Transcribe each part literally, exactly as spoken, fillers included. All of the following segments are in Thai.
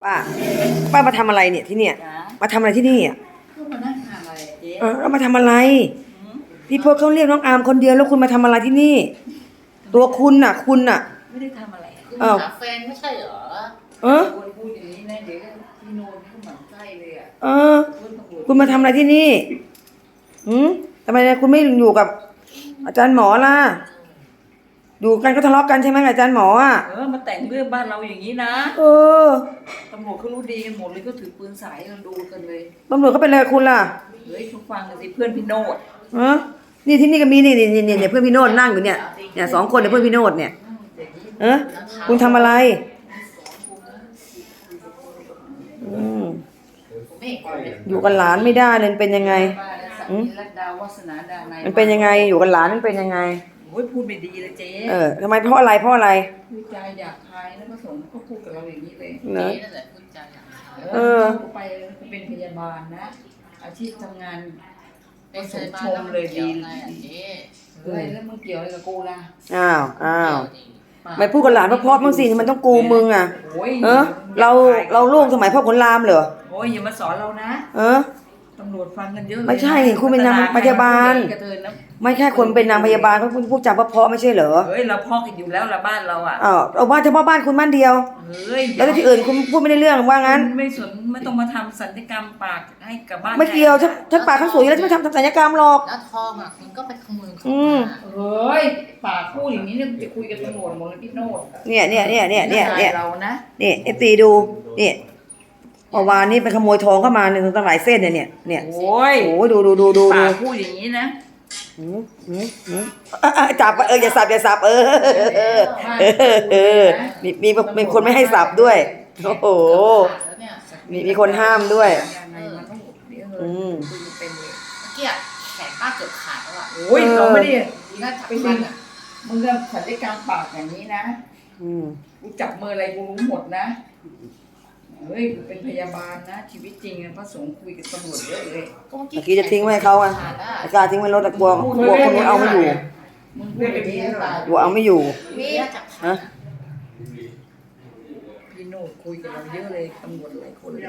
ป้าป้ามาทำอะไรเนี่ยที่เนี่ยจ๋ามาทำอะไรที่นี่อ่ะก็มานั่งทานอะไรเจ๊เออแล้วมาทำอะไรหืมพี่พจน์เขาเรียกน้องอาร์มคนเดียวแล้วคุณมาทำอะไรที่นี่ ตัวคุณน่ะ คุณน่ะไม่ได้ทำอะไรคุณอ้าวหาแฟนไม่ใช่เหรอเออคนพูดอย่างนี้นะเดี๋ยวพี่โนนเขาหมั่นไส้เลยอ่ะเออเพื่อนตำรวจคุณมาทำอะไรที่นี่หืมทำไมคุณไม่อยู่กับ อาจารย์หมอล่ะอยู่กันก็ทะเลาะกันใช่ไหมกับอาจารย์หมออ่ะเออมาแต่งเรื่องบ้านเราอย่างนี้นะเออตำรวจเขารู้ดีกันหมดเลยก็ถือปืนสายกันดูกันเลยตำรวจเขาเป็นอะไรกับคุณล่ะเฮ้ยเขาฟังกันสิเพื่อนพี่โนดเออนี่ที่นี่ก็มีนี่นี่นี่เนี่ยเพื่อนพี่โนดนั่งอยู่เนี่ยเนี่ยสองคนเนี่ยเพื่อนพี่โนดเนี่ยเออคุณทำอะไรอืมไม่เห็นคนเลยอยู่กับหลานไม่ได้เลยเป็นยังไงบ้านและสักนิรัตดาวาสนาดาในมันเป็นยังไงอยู่กับหลานมันเป็นยังไงโอ้ยพูดไม่ดีเลยเจ๊เออทำไมเพราะอะไรเพราะอะไรพูดจาหยาบคายแล้วก็สงฆ์ก็พูดกับเราอย่างนี้เลยเนเจ๊อะนั่นแหละพูดจาอย่างไรเออกูไปกูเป็นพยาบาลนะ อาชีพทำงานเป็นชายบ้านแล้วมันเกี่ยวอะไรอ่ะเจ๊เฮ้ยแล้วมึงเกี่ยวอะไรกับกูล่ะอ้าวอ้าวเกี่ยวดิไม่พูดกับหลานเพราะพ่อบ้างสิมันต้องกูมึงอ่ะโอ้ยเออเราเราลูกสมัยพ่อขุนรามเหรอโอ้ยอย่ามาสอนเรานะเออตำรวจฟังกันเยอะเลยไม่ใช่คุณเป็นนางพยาบาลกระเทินนะไม่แค่คนเป็นนางพยาบาลเขาพูดจาเพราะๆไม่ใช่เหรอเฮ้ยเราพอกกันอยู่แล้วละบ้านเราอ่ะอ้าวเอาบ้านเฉพาะบ้านคุณบ้านเดียวเฮ้ยแล้วที่อื่นคุณพูดไม่ได้เรื่องว่างั้นไม่สนไม่ต้องมาทำสัญญกรรมปากให้กับบ้านไม่เกี่ยวฉันฉันปากทั้งสวยอยู่แล้วฉันไม่ทำทำศัลยกรรมหรอกแล้วทองอ่ะคุณก็ไปขโมยเขาอืมมาเฮ้ยปากพูดอย่างนี้เนี่ยจะคุยกับตำรวจหมดเลยพี่โนดเนี่ยเนี่ยเนี่ยเนี่ยเนี่ยเนี่ยเรานะนี่เอฟซีดูนี่เมื่อวานนี้ไปขโมยทองเข้ามาเนี่ยตั้งหลายเส้นเนี่ยเนี่ยเนี่ยโอ้ยโอ้ยดูดูดูดูปาดูกพูดอย่างนี้นะหืมหืมหืมอ่ะอ่ะจับเอออย่าสับอย่าสับเออเออเออเออมีมีมีคนไม่ให้สับด้วยโอ้โหแล้วเนี่ยมีมีคนห้ามด้วยยังไงมันต้องเดี๋ยวอืเฮ้ยมคุยเป็นเลยเมื่อกี้อะแขนป้าเกือบขาดแล้วอ่ะโอ้ยเราไม่ได้น่าจับไปมัสินอ่ะมึงก็สัญญกรรมปากอย่างนี้นะอืมกูจับมืออะไรกูรู้หมดนะเฮ้ยกูเป็นพยาบาลนะ ชีวิตจริงอะพระสงฆ์คุยกับตำรวจเยอะเลยก็เมื่อเมื่อกี้จะทิ้งไว้ให้เขาอ่ะขาดอ่ะไม่กล้าทิ้งไว้รถแต่กลัวกลัวคนนู้นเอาไม่อยู่มึงพูดอย่างนี้เหรอกลัวเอาไม่อยู่พี่น่าจับขาฮะดอะพี่โนดคุยกับเราเยอะเลยตำรวจหลายคนเลย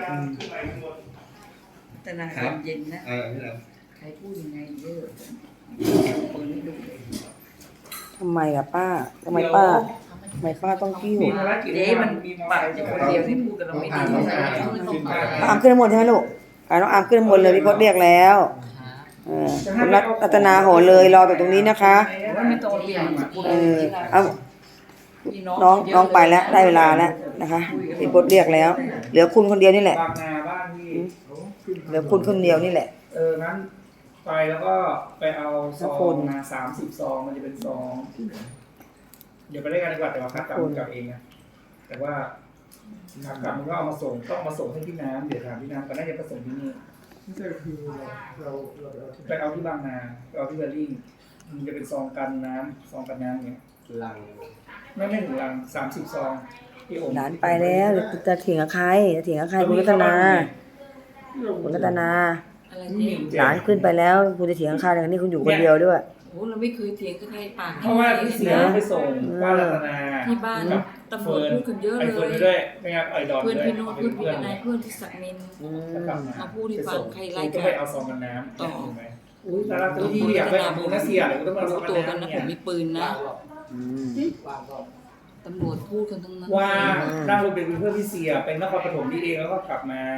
แต่นาความเย็นนะเออพี่เราใครพูดยังไงเยอะเปิดให้ดูเลยทำไมล่ะป้าทำไมป้าทำไมป้าต้องกิ้วมีภารกิจเจ๊มันมีปากอยู่คนเดียวที่พูดกับเราไม่ดีต้องนะหาต้องหาต้องหาน้องอามขึ้นข้างบนใช่ไหมลูกอ่าน้องอามขึ้นข้างบนเลยพี่พจน์เรียกแล้วเออคุณรัตนาโหเลยรอแต่ตรงนี้นะคะว่าไม่ต้องเปลี่ยนกูเอเลยอเอาน้องน้องไปแล้วได้เวลาแล้วนะคะพี่พจน์เรียกแล้ว เหลือคุณคนเดียวนี่แหละบางนาบ้านพี่เขาขึ้นเหลือคุณคนเดียวนี่แหละเอองั้นไปแล้วก็ไปเอาซขอบอคุงณมาสามสิบซองมันจะเป็นซองเดี๋ยวไปได้กันดีกว่าแต่ว่าคัดกลับขอบคุณกลับเองนะแต่ว่าคัดกลับมันก็เอามาส่งต้องเอามาส่งให้พี่น้ำเดี๋ยวถามพี่น้ำก็น่าจะผสมที่นี่ไม่ใช่คือเราเราเราเอาที่ไปเอาที่บางนาไปเอาที่เบอร์ลิงมันจะเป็นซองกันน้ำซองกันน้ำเนี่ยลังไม่ไม่ถึงลังสามสิบซองพี่โอมหลานไปแล้วเดี๋ยวจะเถียงกับใครจะเถียงกับใครคุณรัตนาคุณรัตนาอะไรนี่เนี่ยมีหลานขึ้นไปแล้วคุณจะเถียงกับใครอย่างนี้คุณอยู่คนเดียวด้วยโอ้เราไม่เคยเถียงกับใครปากเพราะว่าพี่เสียไปส่งป้ารัตนาที่บ้านกับตำรวจพูดกันเยอะไอเลเฟิร์นยไปด้วยไม่งั้นไอดอนเพื่อนด้วยพี่โน้ตเพื่อนพี่เพื่อนนายเพื่อนที่สักนินอืมมาพูดให้ฟังใครไล่ก็กันไปเอาซองกันน้ำต่อถูกไหมอุ้ยแต่ละตัวที่อยากไปเอามือนะเสียเดี๋ยวก็ต้องมาเอาซรู้องกันตัวกันน้ำนะเนี่ผมยมีปืนนะอืมตำรวจพูดกันทั้งนั้นว่านั่งรถเป็นเพื่อนพี่เสียเป็นนครปฐมนี่เองแล้วก็กลับมา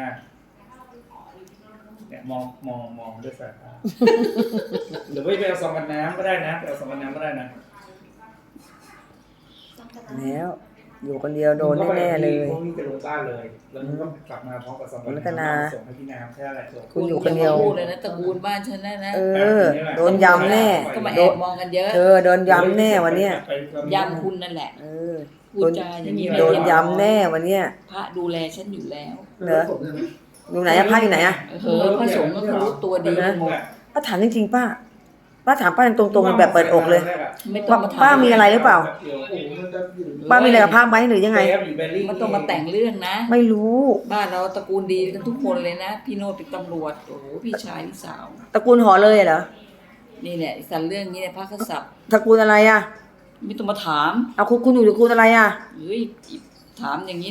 เนี่ยมองมองมองด้วยสายตาหรือว่าไปเอาซองกันน้ำก็ได้นะไปเอาซองกันน้ำก็ได้นะแล้วอยู่คนเดียวโดนแน่ๆเลยพวกนี้จะลงบ้านเลย แล้วมันก็กลับมาพร้อมกับซองกันรัตนาส่งให้พี่น้ำแค่อะไรคุณอยู่คนเดียวพูดเลยนะตระกูลบ้านฉันนะนะเออ โดนยำแน่ก็มาแอบมองกันเยอะเธอโดนยำแน่วันเนี้ยยำคุณนั่นแหละเออพูดจาอย่างนี้โดนยำแน่วันเนี้ยพระดูแลฉันอยู่แล้วเหรออยู่ไหนอะพระอยู่ไหนอะเออพระสงฆ์ก็รู้ตัวดีหมดป้าถามจริงๆป้าป้าถามป้าตรงๆแบบเปิดอกเลยไม่ต้องมาถามป้ามีอะไรหรือเปล่า ป้ามีอะไรกับพระไหมหรือยังไงมันต้องมาแต่งเรื่องนะไม่รู้บ้านเราตระกูลดีกันทุกคนเลยนะ พี่โนตเป็นตำรวจ โอ้โหพี่ชายพี่สาวตระกูลหอเลยเหรอนี่แหละสันเรื่องนี้เนี่ยพระกษัตริย์ตระกูลอะไรอะไม่ต้องมาถามเอาคุณคุณอยู่ตระกูลอะไรอะเฮ้ยถามอย่างนี้นะ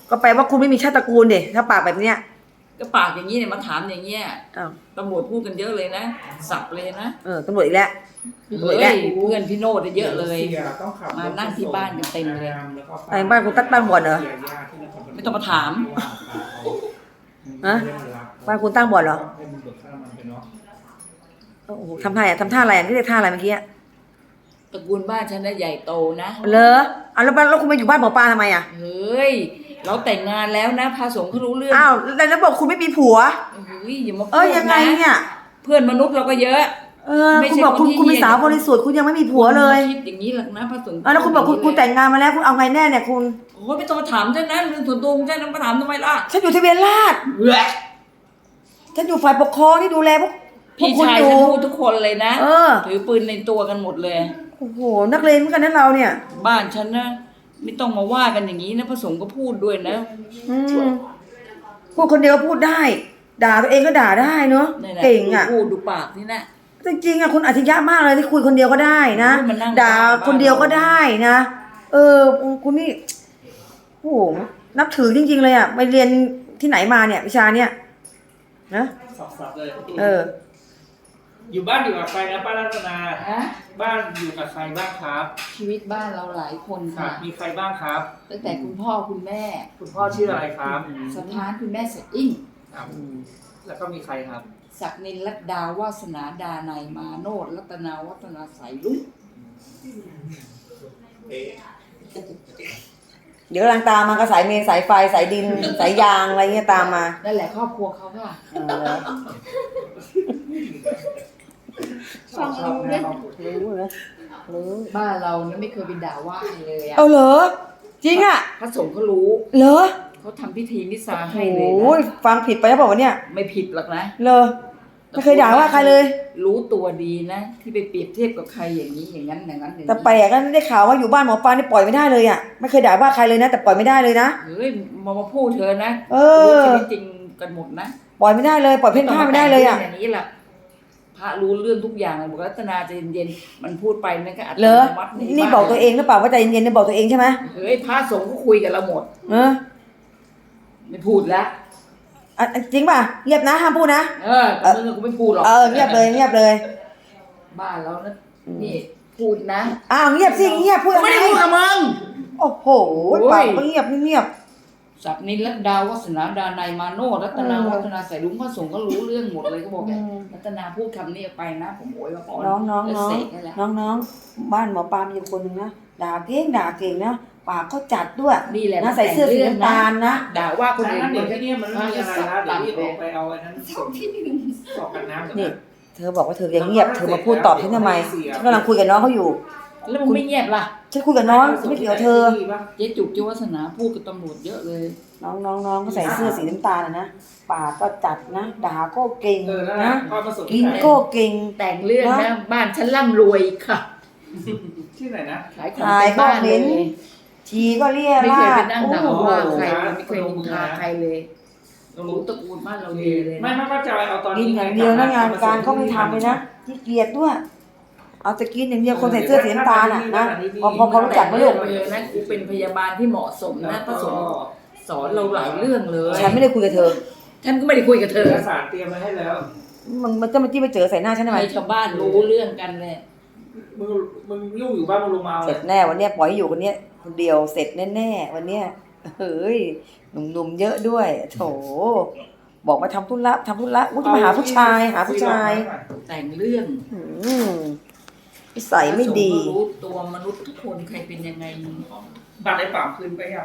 ก็แปลว่าคุณไม่มีชาติตระกูลดิถ้าปากแบบเนี้ยก็ปากอย่างนี้เนี่ยมาถามอย่างเงี้ยอ้าวตำรวจพูดกันเยอะเลยนะ สับเลยนะเออตำรวจอีกแล้ว ตำรวจอีกเฮ้แล้วยเพื่อนพี่โนดเยอะเลยสีต้องขับมานั่งที่บ้านกันเต็มเลยไอ้บ้านคุณตัดบ้านบ่อนเหรอไม่ต้องมาถามฮะ บ้านคุณตั้งบ่อนเหรอให้มึงเบิกค่าน้ำมันไปเนาะโอ้โหทำท่าอะทำท่าอะไรอ่ะนี่เรียกท่าอะไรเมื่อกี้อะตระกูลบ้านฉันน่ะใหญ่โตนะเหรอเอาแล้วบ้านแล้วคุณมาอยู่บ้านหมอปลาทำไมอ่ะเฮ้ย เราแต่งงานแล้วนะพระสงฆ์เขารู้เรื่องอ้าวแล้วแล้วบอกคุณไม่มีผัวเฮ้ยอย่ามาเออยังไงเนี่ยเพื่อนมนุษย์เราก็เยอะเออไม่คุณใช่บอกคุณคนที่คุณเป็นเหี้ยสาวบริสุทธิ์คุณยังไม่มีผัวเลยคิดอย่างนี้หรอกนะพระสงฆ์อ่ะแล้วคุณบอกคุณคุณแต่งงานมาแล้วคุณเอาไงแน่เนี่ยคุณโอ้ยไม่ต้องมาถามฉันนะเรื่องส่วนตัวของฉันนะมาถามทำไมล่ะฉันอยู่ทะเบียนราษฎร์เว้ยฉันอยู่ฝ่ายปกครองที่ดูแลพวกพวพี่กคุณชายอยู่ฉันพูดทุกคนเลยนะเออถือปืนในตัวกันหมดเลยโอ้โหนักเลงเหมือนกันนะเราเนี่ยบ้านฉันนะไม่ต้องมาว่ากันอย่างนี้นะพระสงฆ์ก็พูดด้วยนะอืมพูดคนเดียวพูดได้ ด่าตัวเองก็ด่าได้เนาะนี่แหละเก่งอ่ะพูดดูปากนี่นะจริงๆอ่ะคุณอัจฉริยะมากเลยที่คุยคนเดียวก็ได้นะโอ้ยมันนั่งด่าบ้านคนเดียวก็ได้นะ เออคุณนี่โอ้โหนับถือจริง ๆ เลยอ่ะไปเรียนที่ไหนมาเนี่ยวิชาเนี่ยนะสับๆเลยเอออยู่บ้านอยู่กับใครนะป้ารัตนาฮะบ้านอยู่กับใครบ้างครับชีวิตบ้านเราหลายคนค่ะค่ะมีใครบ้างครับตั้งแต่คุณพ่อคุณแม่คุณพ่อชื่ออะไรครับสถานคุณแม่เสดอิ่งครับแล้วก็มีใครครับศักนินรัตดาวาสนาดานายมาโนดรัตนาวัฒนาสายลุงเดี๋ยวกำลังตามมากระสายเมนสายไฟสายดิน สายยางอะไรเงี้ยตามมานั่นแหละครอบครัวเขาค่ะเออชอบชอบแม่ครอบครัวรู้เลยรู้บ้านเราเนี่ยไม่เคยไปด่าว่าใครเลยอะเอาเหรอจริงอ่ะพระสงฆ์เขารู้เหรอเขาทำพิธีนิสาโอ้ให้เลยโหนะฟังผิดไปแล้วบอกว่าวะเนี่ยไม่ผิดหรอกนะเหรอไม่เคยด่าว่าใครเลยรู้ตัวดีนะ ที่ไปเปรียบเทียบกับใครอย่างนี้อย่างนั้นอย่างนั้นอย่างแต่นี้แปลกก็ได้ข่าวว่าอยู่บ้านหมอปลานี่ปล่อยไม่ได้เลยอ่ะไม่เคยด่าว่าใครเลยนะ แต่ปล่อยไม่ได้เลยนะเฮ้ยมามาพูดเธอนะเออรู้ชีวิตจริงกันหมดนะปล่อยไม่ได้เลยปล่อยเพ่นพ่านไม่ได้เลยอ่ะอย่างนี้แหละพระรู้เรื่องทุกอย่างเลยบอกรัตนาใจเย็นๆมันพูดไปนั่นก็อัตเหรโนอมัตินี่บอกตัวเองหรือเปล่าว่าใจเย็นๆเนี่ยบอกตัวเองใช่ไหมเฮ้ยพระสงฆ์ก็คุยกับเราหมดเออไม่พูดแล้วอ่ะจริงป่ะเงียบนะห้ามพูดนะเออแต่มึงกูไม่พูดหรอกเออเงียบเลยเงียบเลยบ้านเรานะนี่พูดนะอ้าวเงียบสิเงียบพูดกูอะไรไม่ได้พูดกับมึงโอ้โหโอ้ยปากก็เงียบเงียบศักนินรัตดาวัฒนาดานายมาโนรัตนาเออวัฒนาใส่ลุงพระสงฆ์ก็รู้เรื่องหมดเลยก็บอกแกอืมรัตนาพูดคำนี้ออกไปนะ ผมโวยว่าก่อนน้องน้องแล้วน้องเสกให้แล้วน้องน้องบ้านหมอปลามีอยู่คนหนึ่งนะด่าเก่งด่าเก่งนะปากก็จัดด้วยนี่แหละนะใส่เสื้อสีน้ำตาลนะด่าว่าคนอื่นนั้นเดี๋ยวที่นี่มันไม่มีอะไรนะเดี๋ยวรีบออกไปไปเอาอันนั้นส่งสอบกันน้ำเดี๋ยวนี่นะเธอบอกว่าเธอยังเงียบเธอมาพูดตอบฉันทำไมฉันกำลังคุยกับน้องเขาอยู่แล้วมึงไม่เงียบล่ะฉันคุยกับน้องฉันไม่เกี่ยวกับเธอเจ๊จุกเจ้าวัฒนาพูดกับตำรวจเยอะเลยน้องน้องน้องก็ใส่เสื้อสีน้ำตาลนะปากก็จัดนะด่าก็เก่งเออนั่นแหนะละพ่อมาส่งกิที่นไหนก็เก่งแต่งเรื่องนะนะบ้านฉันร่ำรวยค่ะที่ไหนนะขายของขายเป็นบ้านก็เลเน้ยน ชีก็เรียไม่ราเคยไปดนั่งโอ้ด่าโหว่าใครไม่เคยนินทาใครเลยรู้ตระกูลบ้านเราดีเลยไม่นะไม่ป้าจอยเอาตอนกินนี้อย่างเดียวนะงานการเขาไม่ทำเลยนะที่เกียจด้วย เอาแต่กินอย่างเดียวคนใส่เสื้อสีน้ำตาลอ่ะนะพอพอพอรู้จักไหมลูกแต่งเรื่องเลยนะกูเป็นพยาบาลที่เหมาะสมนะพระสงฆ์สอนเราหลายเรื่องเลยฉันไม่ได้คุยกับเธอฉันก็ไม่ได้คุยกับเธเออกสารเตรียมไว้ให้แล้วมันมันจะมาจี้ไปเจอใส่หน้าฉันทำไมให้ชาวบ้านรู้เรื่องกันเลยมึงมึงยุ่งอยู่บ้านมึงลงมาเอาเสร็จแน่วันเนี้ยปล่อยให้อยู่คนเนี้ยคนเดียวเสร็จแน่ๆวันเนี้ยเฮ้ยหนุ่มๆเยอะด้วยโถบอกมาทำธุระทำธุระอุ้ยจะมาหาผู้ชายหาผู้ชายแต่งเรื่องอืมนิสัยไม่ดีพระสงฆ์ก็รู้ตัวมนุษย์ทุกคนใครเป็นยังไงบัตรไอ้ป่ามคืนไปยัง